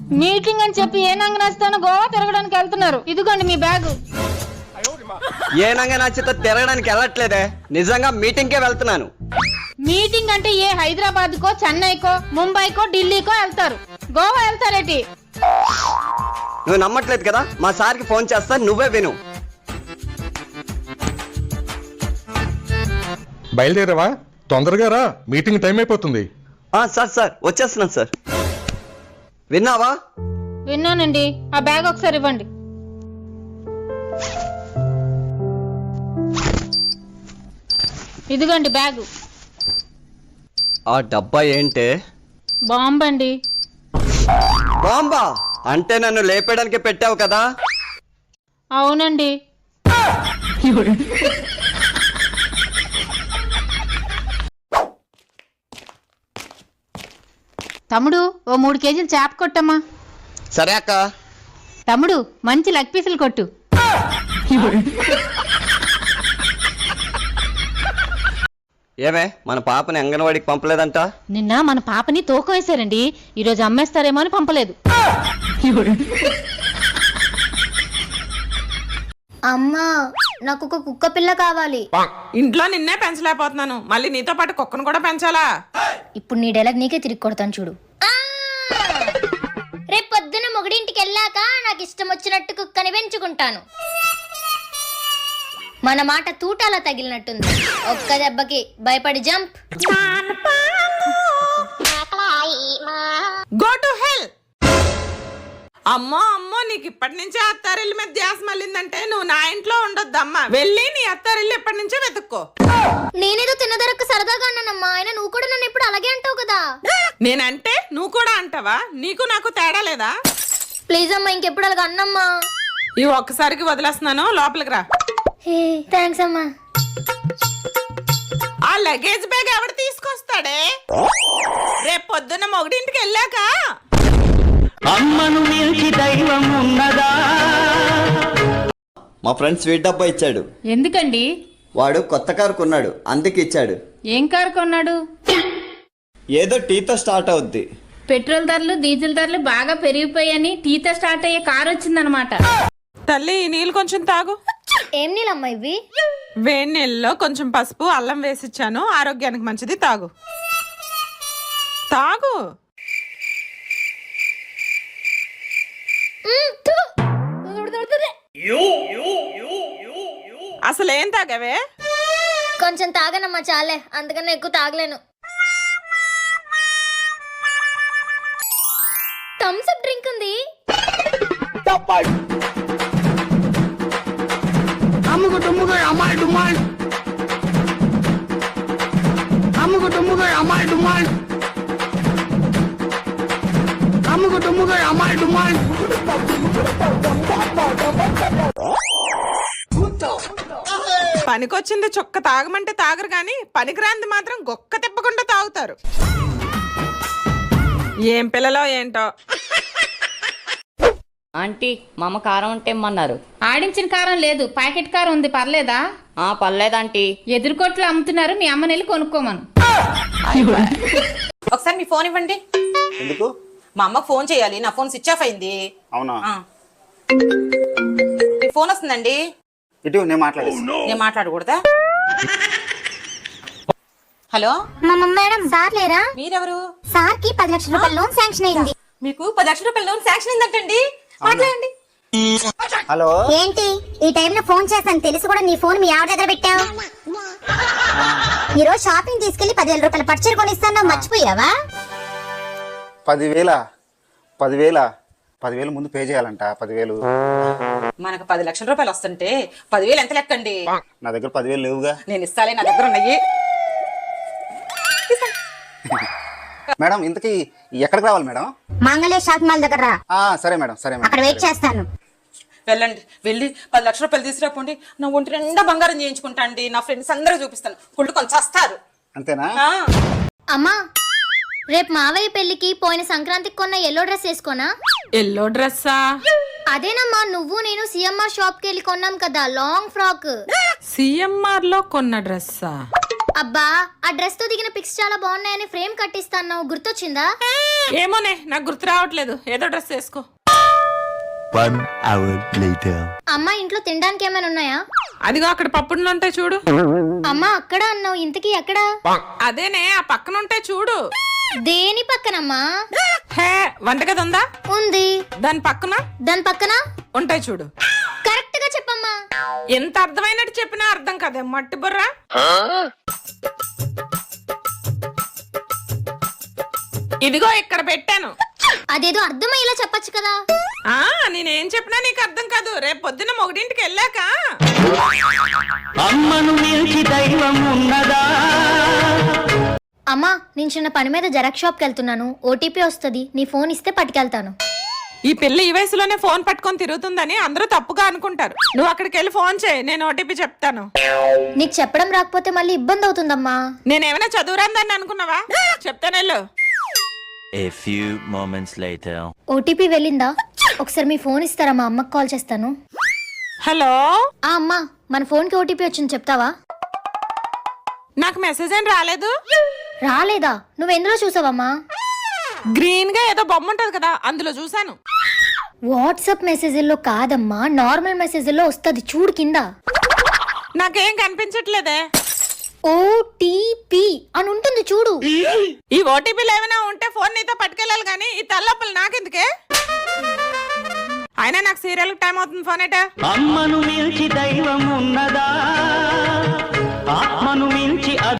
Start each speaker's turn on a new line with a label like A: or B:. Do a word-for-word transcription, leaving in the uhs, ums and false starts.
A: Meeting అని చెప్పి ఏ నంగ నచ్చుతానో గోవా తిరగడానికి వెళ్తున్నారు. ఇదిగోండి మీ బ్యాగు.
B: ఏ నంగ నచ్చితే తిరగడానికి వెళ్ళట్లేదే, నిజంగా మీటింగ్ కే వెళ్తున్నాను.
A: మీటింగ్ అంటే ఏ హైదరాబాద్ కో, చెన్నైకో, ముంబైకో, ఢిల్లీకో వెళ్తారు. గోవా వెళ్తారేటి?
B: నువ్వు నమ్మట్లేదు కదా, మా సార్కి ఫోన్ చేస్తా, నువ్వే విను.
C: బయలుదేరావా? తొందరగా రా, మీటింగ్ టైం అయిపోతుంది.
B: సార్ సార్ వచ్చేస్తున్నాను సార్. విన్నావా?
A: విన్నానండి. ఆ బ్యాగ్ ఒకసారి ఇవ్వండి. ఇదిగోండి బ్యాగు.
B: ఆ డబ్బా ఏంటే?
A: బాంబండి.
B: బాంబా అంటే నన్ను లేపేయడానికి పెట్టావు కదా?
A: అవునండి. తమ్ముడు ఓ మూడు కేజీలు చేప కొట్టమ్మా.
B: సరే అక్క.
A: తమ్ముడు మంచి లెగ్ పీసులు కొట్టు.
B: ఏమే మన పాపని అంగన్వాడికి పంపలేదంట?
A: నిన్న మన పాపని తూకం వేశారండి, ఈరోజు అమ్మేస్తారేమో అని పంపలేదు.
D: అమ్మా నాకు ఒక కుక్క పిల్ల కావాలి.
E: ఇంట్లో నిన్నే పెంచలేకపోతున్నాను, మళ్ళీ నీతో పాటు కుక్కను కూడా పెంచాలా?
D: ఇప్పుడు నీ డైలాగ్ నీకే తిరిగి కొడతాను చూడు. రేపు పొద్దున మొగుడింటికి వెళ్ళాక నాకు ఇష్టం వచ్చినట్టు కుక్కని పెంచుకుంటాను. మన మాట తూటాలా తగిలినట్టుంది. ఒక్క దెబ్బకి భయపడి జంప్.
E: Go to hell. అమ్మో అమ్మో, నీకు ఇప్పటి నుంచే అత్తారిల్లు మీద ధ్యాస మళ్ళిందంటే నువ్వు నా ఇంట్లో ఉండొద్దమ్మా. వెళ్ళి నీ అత్తారిల్లు ఎప్పటి నుంచో వెతుక్కో.
D: నేనేదో తిన్నదరక్క సరదాగా అన్నానమ్మా, ఆయన నువ్వు కూడా నన్ను ఎప్పుడు అలాగే అంటావు కదా.
E: నేనంటే నువ్వు కూడా అంటావా? నీకు నాకు తేడా లేదా?
D: ప్లీజ్ అమ్మా, ఇంకెప్పుడు అలాగ అన్నమ్మా.
E: ఈ ఒక్కసారికి వదిలేస్తున్నాను, లోపలికి రా.
D: థ్యాంక్స్ అమ్మా.
E: ఆ లగేజ్ బ్యాగ్ ఎవడు తీసుకొస్తాడే? రేపు పొద్దున్న మొగుడింటికి వెళ్ళాక.
B: అమ్మను మించి దైవం ఉన్నదా? మా ఫ్రెండ్ స్వీట్ డబ్బా ఇచ్చాడు.
A: ఎందుకండి?
B: వాడు కొత్త కారు కొన్నాడు, అందుకు ఇచ్చాడు.
A: ఏం కారు కొన్నాడు?
B: ఏదో టీతో స్టార్ట్ అవుద్ది.
A: పెట్రోల్ ధరలు, డీజిల్ ధరలు బాగా పెరిగిపోయాయని టీతో స్టార్ట్ అయ్యే కారు వచ్చిందనమాట.
E: తల్లి ఈ నీళ్ళు కొంచెం తాగు.
D: ఏం నీళ్ళమ్మా ఇవి?
E: వేడి నీళ్ళలో కొంచెం పసుపు, అల్లం వేసిచ్చాను, ఆరోగ్యానికి మంచిది, తాగు తాగు. అసలు ఏం తాగావే?
D: కొంచెం తాగనమ్మా, చాలే, అందుకని ఎక్కువ తాగలేను. థమ్స్ అప్ డ్రింక్ ఉంది.
E: పనికొచ్చింది చొక్క తాగమంటే తాగరు గాని పనికిరాంది మాత్రం గొక్క తిప్పకుండా తాగుతారు. ఏం పిల్లలో ఏంటో.
F: ఆంటీ మా అమ్మ కారం అంటే ఇమ్మన్నారు.
A: ఆడించిన కారం లేదు, ప్యాకెట్ కారం ఉంది, పర్లేదా?
F: ఆ పర్లేదంటీ.
A: ఎదురుకోట్లు అమ్ముతున్నారు, మీ అమ్మని వెళ్ళి కొనుక్కోమను.
G: ఒకసారి మీ ఫోన్ ఇవ్వండి.
B: ఎందుకు?
G: మా అమ్మకు ఫోన్ చేయాలి, నా ఫోన్ స్విచ్ ఆఫ్ అయింది.
B: అవునా?
G: మీ ఫోన్ వస్తుందండి.
B: ఇటు నేను మాట్లాడే.
G: నేను మాట్లాడకూడదా? హలో
D: మేడం, సార్ లేరా?
G: మీరెవరు?
D: సార్ కి పది లక్షల రూపాయల లోన్ శాంక్షన్ అయింది.
G: మీకు పది లక్షల రూపాయల లోన్ శాంక్షన్ అయిందంటండి. మాట్లాడండి.
B: హలో.
D: ఏంటి ఈ టైంలో ఫోన్ చేస్తాను తెలిసి కూడా నీ ఫోన్ మీ ఆవిడ దగ్గర పెట్టావు? ఈ రోజు షాపింగ్ తీసుకెళ్లి పదివేల రూపాయల పర్చర్ కొనిస్తాను, మర్చిపోయావా?
H: పదివేల పదివేల పదివేలు ముందు పే చేయాలంట. పదివేలు
G: మనకు పది లక్షల రూపాయలు వస్తుంటే పదివేలు ఎంత లెక్కండి?
H: నా దగ్గర పదివేలు లేవుగా.
G: నేను ఇస్తాలే, నా దగ్గర ఉన్నాయి.
H: మేడం ఇంతకీ ఎక్కడికి రావాలి మేడం?
D: మంగళ షాప్ మాల్ దగ్గర రా.
H: ఆ సరే మేడం, సరే మేడం,
D: అక్కడ వెయిట్ చేస్తాను.
G: వెళ్ళండి, వెళ్ళి పది లక్షల రూపాయలు తీసుకురాపోండి. నా ఒంటి నిండా బంగారం చేయించుకుంటా అండి. నా ఫ్రెండ్స్ అందరూ చూపిస్తాను, కుళ్ళు కొంచెం వస్తారు.
H: అంతేనా?
D: అమ్మా, రేపు మావయ్య పెళ్లికి పోయిన సంక్రాంతికి కొన్న ఎల్లో డ్రెస్ వేసుకోనా?
E: ఎల్లో డ్రెస్సా?
D: అదేనమ్మా, నువ్వు నేను సిఎంఆర్ షాప్ కి వెళ్ళి కొన్నాం కదా, లాంగ్ ఫ్రాక్.
E: సిఎంఆర్ లో కొన్న డ్రెస్సా?
D: అబ్బా ఆ డ్రెస్ తో దిగిన పిక్స్ చాలా బాగున్నాయని ఫ్రేమ్ కట్టిస్తాను గుర్తొచ్చిందా?
E: ఏమోనే నాకు గుర్తు రావట్లేదు, ఏదో డ్రెస్ వేసుకో.
D: అమ్మా ఇంట్లో తినడానికి ఏమైనా ఉన్నాయా?
E: అదిగో అక్కడ పప్పుడులు ఉంటాయి చూడు.
D: అమ్మా అక్కడ అన్నావు, ఇంతకీ ఎక్కడ?
E: అదేనే ఆ పక్కన ఉంటాయి చూడు.
D: దేని పక్కనమ్మా?
E: హే వంటగది ఉందా?
D: ఉంది.
E: దాని పక్కన?
D: దాని పక్కన
E: ఉంటాయి చూడు.
D: కరెక్ట్ గా చెప్పమ్మా.
E: ఎంత అర్థమైనట్టు చెప్పినా అర్థం కదే మట్టి బుర్రా. ఇదిగో ఇక్కడ పెట్టాను.
D: అదేదో అర్థమయ్యేలా చెప్పొచ్చు కదా.
E: ఆ నేనేం చెప్పినా నీకు అర్థం కాదు. రేపు పొద్దున్న మొగడింటికి వెళ్ళాక
D: అమ్మా నేను చిన్న పని మీద జెరాక్స్ షాప్ కి వెళ్తున్నాను, ఓటీపీ వస్తుంది, నీ ఫోన్ ఇస్తే పట్టుకెళ్తాను.
E: ఈ పిల్ల ఈ వయసులోనే ఫోన్ పట్టుకొని తిరుగుతుందని అందరూ తప్పుగా అనుకుంటారు. నువ్వు అక్కడికి వెళ్ళి ఫోన్ చేయి, నేను ఓటీపీ చెప్తాను.
D: నీకు చెప్పడం రాకపోతే మళ్ళీ ఇబ్బంది అవుతుందమ్మా.
E: నేనేమైనా చదువురాందని అనుకున్నావా? చెప్తానెళ్ళు.
I: A few moments later.
D: OTP వెళ్ళిందా? ఒకసారి మీ ఫోన్ ఇస్తారా, మా అమ్మకి కాల్ చేస్తాను.
E: హలో
D: ఆ అమ్మా మన ఫోన్ కి ఓటీపీ వచ్చింది చెప్తావా?
E: నాకు మెసేజ్ ఏం రాలేదు.
D: రాలేదా? నువ్వు ఎందులో చూసావమ్మా?
E: గ్రీన్ గా ఏదో బొమ్మ ఉంటది కదా, అందులో చూసాను.
D: వాట్సాప్ మెసేజ్లో కాదమ్మా, నార్మల్ మెసేజ్లో వస్తుంది చూడు కింద.
E: నాకేం కనిపించట్లేదే.
D: ఓటీపీ అని ఉంటుంది చూడు.
E: ఈ ఓటీపీలు ఏమైనా ఉంటే ఫోన్ నీతో పట్టుకెళ్ళాలి కానీ ఈ తల్లొప్పులు నాకెందుకే? అయినా నాకు సీరియల్ టైం అవుతుంది, ఫోన్ ఏటా?
J: అమ్మను మించి దైవం ఉన్నదా? ఆత్మను మించి